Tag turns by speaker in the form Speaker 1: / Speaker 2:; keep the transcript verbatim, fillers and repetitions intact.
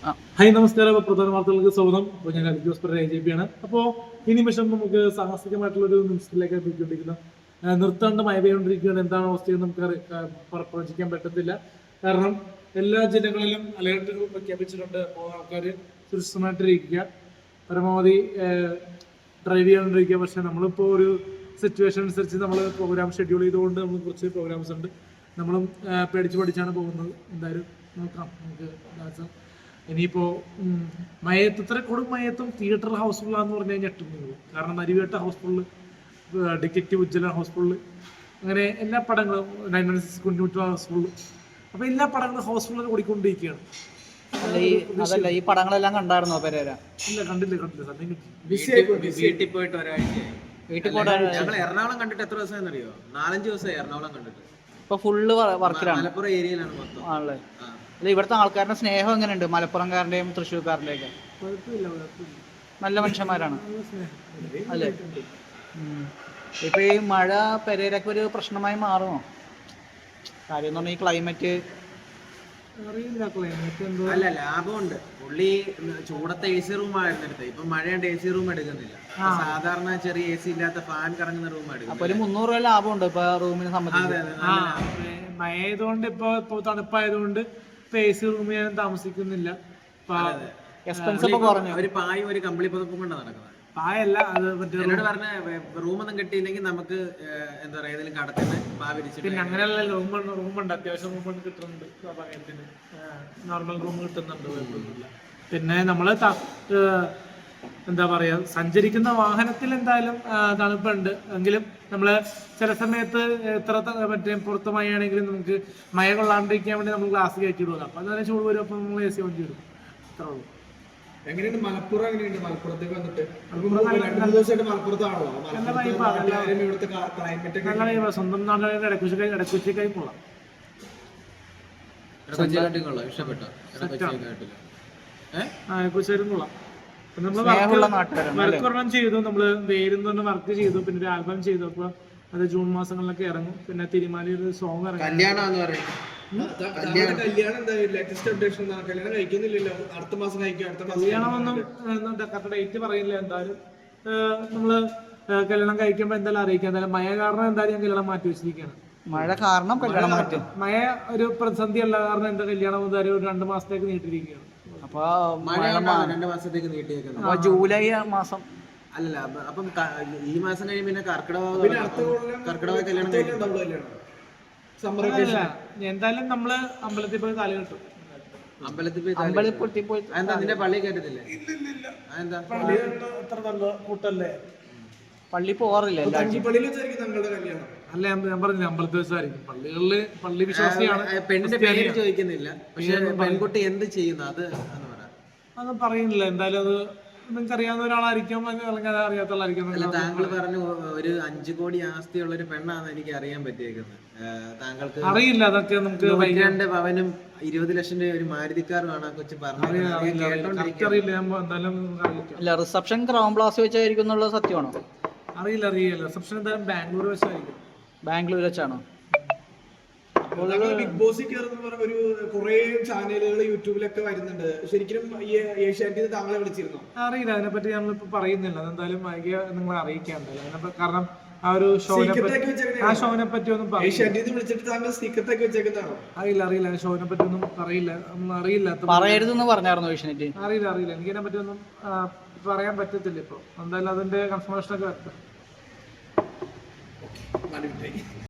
Speaker 1: Hi നമസ്കാരം. പ്രധാന വാർത്തകൾക്ക് സ്വാഗതം. അപ്പോൾ ഞാൻ ജോസ് എ ജെ പി ആണ്. അപ്പോൾ ഈ നിമിഷം നമുക്ക് സാഹസികമായിട്ടുള്ള ഒരു നിമിഷത്തിലേക്ക് എത്തിക്കൊണ്ടിരിക്കുന്ന നിർത്താണ്ട് മഴ പെയ്തുകൊണ്ടിരിക്കുകയാണ്. എന്താണ് അവസ്ഥയെന്ന് നമുക്ക് പ്രവചിക്കാൻ പറ്റത്തില്ല. കാരണം എല്ലാ ജില്ലകളിലും അലേർട്ട് പ്രഖ്യാപിച്ചിട്ടുണ്ട്. അപ്പോൾ ആൾക്കാർ സുരക്ഷിതമായിട്ടിരിക്കുക, പരമാവധി ഡ്രൈവ് ചെയ്യാണ്ടിരിക്കുക. പക്ഷെ നമ്മളിപ്പോൾ ഒരു സിറ്റുവേഷൻ അനുസരിച്ച് നമ്മൾ പ്രോഗ്രാം ഷെഡ്യൂൾ ചെയ്തുകൊണ്ട് നമ്മൾ കുറച്ച് പ്രോഗ്രാംസ് ഉണ്ട്. നമ്മളും പേടിച്ച് പഠിച്ചാണ് പോകുന്നത്. എന്തായാലും നോക്കാം നമുക്ക്. ഇനിയിപ്പോൾ മയത്ത് ഇത്ര കൊടും മയത്തും തിയേറ്റർ ഹൗസ്ഫുള്ളാന്ന് പറഞ്ഞു കഴിഞ്ഞാൽ ഞെട്ടുന്നത്. കാരണം Narivetta house full, detective Ujjwala house full, അങ്ങനെ എല്ലാ പടങ്ങളും nine one six Kunjumutta house full. അപ്പോൾ എല്ലാ പടങ്ങളും ഹൗസ്ഫുള്ളിൽ ഓടിക്കൊണ്ടിരിക്കുകയാണ്.
Speaker 2: അതല്ല, ഈ പടങ്ങളെല്ലാം കണ്ടായിരുന്നോ പെരേര?
Speaker 1: ഇല്ല, കണ്ടില്ല കണ്ടില്ല സമയം കിട്ടി.
Speaker 3: വീട്ടിൽ പോയിട്ട് ഒരാഴ്ചയായി.
Speaker 2: വീട്ടിൽ പോയിട്ട്
Speaker 3: ഞങ്ങൾ എറണാകുളം കണ്ടിട്ട് എത്ര ദിവസം അറിയോ? നാലഞ്ച് ദിവസമായി എറണാകുളം കണ്ടിട്ട്.
Speaker 2: ഇപ്പൊ ഫുള്ള് വർക്കിലാണ്,
Speaker 3: മലപ്പുറം ഏരിയയിലാണ് മൊത്തം
Speaker 2: ആണല്ലേ? അല്ല, ഇവിടുത്തെ ആൾക്കാരുടെ സ്നേഹം എങ്ങനെയുണ്ട്? മലപ്പുറംകാരന്റെയും തൃശ്ശൂർക്കാരന്റെയും ഒക്കെ
Speaker 1: കുഴപ്പമില്ല, കുഴപ്പമില്ല,
Speaker 2: നല്ല മനുഷ്യന്മാരാണ് അല്ലേ?
Speaker 1: സ്നേഹം.
Speaker 2: ഇപ്പൊ ഈ മഴ പെരേരൊക്കെ ഒരു പ്രശ്നമായി മാറുമോ? കാര്യം എന്ന് പറഞ്ഞാൽ ഈ ക്ലൈമറ്റ്
Speaker 1: അറിയില്ല, ക്ലൈമറ്റ് എന്തോ
Speaker 3: അല്ല, ലാഭമുണ്ട്. പുള്ളി ചൂടത്തെ എ സി റൂം ആയിരുന്നു എടുത്തത്. ഇപ്പൊ മഴയുണ്ട്, എ സി റൂം എടുക്കുന്നില്ല. സാധാരണ ചെറിയ എ സി ഇല്ലാത്ത ഫാൻ കറങ്ങുന്ന റൂം
Speaker 2: അപ്പൊ
Speaker 3: എടുക്കും.
Speaker 2: ഒരു മുന്നൂറ് രൂപ ലാഭമുണ്ട് ഇപ്പൊ റൂമിനെ സംബന്ധിച്ച്.
Speaker 1: മഴ ആയതുകൊണ്ട് ഇപ്പൊ ഇപ്പൊ തണുപ്പായതുകൊണ്ട് ഇപ്പൊ എ സി റൂമിൽ ഞാൻ താമസിക്കുന്നില്ല.
Speaker 2: എക്സ്പെൻസ് ഒക്കെ കുറഞ്ഞു.
Speaker 3: ഒരു പായും ഒരു കമ്പിളി പുതപ്പും കൊണ്ട് നടക്കുന്നത്.
Speaker 1: പായല്ല അത് മറ്റേ
Speaker 3: എന്നോട് പറഞ്ഞ റൂമൊന്നും കിട്ടിയില്ലെങ്കിൽ നമുക്ക് എന്താ പറയാ ഏതെങ്കിലും കടത്തിന് പാ വിരിച്ചിട്ട്.
Speaker 1: പിന്നെ അങ്ങനെയുള്ള റൂം റൂമുണ്ട്, അത്യാവശ്യം റൂം കിട്ടുന്നുണ്ട്. സമയത്തിന് നോർമൽ റൂം കിട്ടുന്നുണ്ട്, കുഴപ്പമൊന്നുമില്ല. പിന്നെ നമ്മള് എന്താ പറയാ, സഞ്ചരിക്കുന്ന വാഹനത്തിൽ എന്തായാലും തണുപ്പുണ്ട്. എങ്കിലും നമ്മള് ചില സമയത്ത് എത്ര മറ്റേ പുറത്ത് മഴയാണെങ്കിലും നമുക്ക് മഴ കൊള്ളാണ്ടിരിക്കാൻ വേണ്ടി നമ്മൾ ഗ്ലാസ് കയറ്റി ഇടുക. അപ്പൊ അതിനെ ചൂട് വരും, അപ്പൊ നമ്മൾ എ സി വണ്ടി ഇടും. അത്രേ ഉള്ളൂ.
Speaker 4: എങ്ങനെയുണ്ട് മലപ്പുറം? എങ്ങനെയുണ്ട് മലപ്പുറത്തേക്ക് വന്നിട്ട്?
Speaker 1: നല്ല വൈബാ. സ്വന്തം നാട്ടിലെ ഇടക്കുച്ചിക്കായി ഇടക്കുച്ചിക്കായി പോകാം.
Speaker 3: ഇഷ്ടപ്പെട്ടോ?
Speaker 1: ആ, ഇടക്കുച്ചിക്കാരും കൊള്ളാം. നമ്മള് വർക്ക് ഒരെണ്ണം ചെയ്തു, നമ്മള് വേരുന്ന് പറഞ്ഞ വർക്ക് ചെയ്തു. പിന്നെ ഒരു ആൽബം ചെയ്തു. അപ്പൊ അത് ജൂൺ മാസങ്ങളിലൊക്കെ ഇറങ്ങും. പിന്നെ തിരുമാലി ഒരു സോങ് ഇറങ്ങും.
Speaker 3: കല്യാണം പറയുന്നത്
Speaker 4: കല്യാണം എന്താ ലേറ്റസ്റ്റ് അപ്ഡേഷൻ? കല്യാണം കഴിക്കുന്നില്ലല്ലോ. അടുത്ത മാസം കഴിക്കും. അടുത്ത മാസം
Speaker 1: കല്യാണമൊന്നും കറക്റ്റ് ഡേറ്റ് പറയില്ല. എന്തായാലും നമ്മള് കല്യാണം കഴിക്കുമ്പോ എന്തായാലും അറിയിക്കാം. എന്തായാലും മഴ കാരണം എന്തായാലും ഞാൻ കല്യാണം മാറ്റി വെച്ചിരിക്കുകയാണ്.
Speaker 2: മഴ കാരണം കല്യാണം മാറ്റും.
Speaker 1: മഴ ഒരു പ്രതിസന്ധി അല്ല, കാരണം എന്റെ കല്യാണം എന്തായാലും ഒരു രണ്ട് മാസത്തേക്ക് നീട്ടിരിക്കുകയാണ്.
Speaker 2: അപ്പൊ
Speaker 3: രണ്ടു മാസത്തേക്ക് നീട്ടിയേക്കുന്നത്.
Speaker 2: ജൂലൈ മാസം
Speaker 3: അല്ലല്ല, അപ്പം ഈ മാസം കഴിയുമ്പോ പിന്നെ കർക്കിടക കർക്കിടക കല്യാണം
Speaker 1: എന്തായാലും നമ്മള് അമ്പലത്തിൽ പോയി താലി കെട്ടും.
Speaker 3: അമ്പലത്തിൽ പോയി
Speaker 2: അമ്പലത്തിൽ പോയി
Speaker 3: എന്താ നിന്റെ പള്ളി കയറ്റത്തില്ലേ? എന്താ
Speaker 1: അത്ര നല്ല കൂട്ടല്ലേ?
Speaker 2: പള്ളി പോവാറില്ല
Speaker 1: അല്ല, ഞാൻ പറഞ്ഞില്ല, അമ്പലത്തിൽ വെച്ചായിരിക്കും. പള്ളികളില് പള്ളി വിശ്വാസിയാണ്.
Speaker 3: പെണ്ണിന്റെ പേര് ചോദിക്കുന്നില്ല, പക്ഷെ പെൺകുട്ടി എന്ത് ചെയ്യുന്നു അത്
Speaker 1: അത് പറയുന്നില്ല. എന്തായാലും അത് നിങ്ങൾക്ക് അറിയാവുന്ന ഒരാളായിരിക്കും, അല്ലെങ്കിൽ അത് അറിയാത്തവളായിരിക്കും.
Speaker 3: താങ്കൾ പറഞ്ഞു ഒരു അഞ്ചു കോടി ആസ്തിയുള്ള ഒരു പെണ്ണാണ് എനിക്ക് അറിയാൻ പറ്റിയേക്കുന്നത്. താങ്കൾക്ക്
Speaker 1: അറിയില്ല. അതൊക്കെ നമുക്ക്
Speaker 3: രണ്ട് പവനും ഇരുപത് ലക്ഷം രൂപ ഒരു മാരുതിക്കാറുമാണ് കൊച്ചു പറഞ്ഞത്.
Speaker 2: അല്ല, റിസപ്ഷൻ ക്രൗൺ പ്ലാസ വെച്ചായിരിക്കും എന്നുള്ള സത്യമാണോ?
Speaker 1: അറിയില്ല, അറിയില്ല. റിസപ്ഷൻ എന്തായാലും ബാംഗ്ലൂർ വെച്ചായിരിക്കും.
Speaker 2: ബാംഗ്ലൂർ വെച്ചാണോ?
Speaker 4: ബിഗ് ബോസിൽ കയറുന്ന ഒരു കുറെ ചാനലുകൾ യൂട്യൂബിലൊക്കെ വരുന്നുണ്ട്. ശരിക്കും ഏഷ്യാനെറ്റിൽ താങ്കളെ വിളിച്ചിരുന്നു?
Speaker 1: അറിയില്ല, അതിനെപ്പറ്റി നമ്മളിപ്പോ പറയുന്നില്ല. അതെന്തായാലും വൈകിയ നിങ്ങളെ അറിയിക്കാൻ. കാരണം ആ ഒരു ഷോനെ ആ ഷോനെ പറ്റി ഒന്നും
Speaker 4: വിളിച്ചിട്ട് താങ്കൾ സീക്രട്ടൊക്കെ വെച്ചേക്കുന്നതാണോ?
Speaker 1: അറിയില്ല, അറിയില്ല. ഷോനെ പറ്റി ഒന്നും അറിയില്ല, ഒന്നും അറിയില്ല.
Speaker 2: പറയരുതെന്ന് പറഞ്ഞായിരുന്നു ഏഷ്യാനെറ്റ്.
Speaker 1: അറിയില്ല, അറിയില്ല. എനിക്കതിനെ പറ്റി ഒന്നും പറയാൻ പറ്റത്തില്ല ഇപ്പൊ. എന്തായാലും അതിന്റെ കൺഫർമേഷൻ ഒക്കെ വരട്ടെ.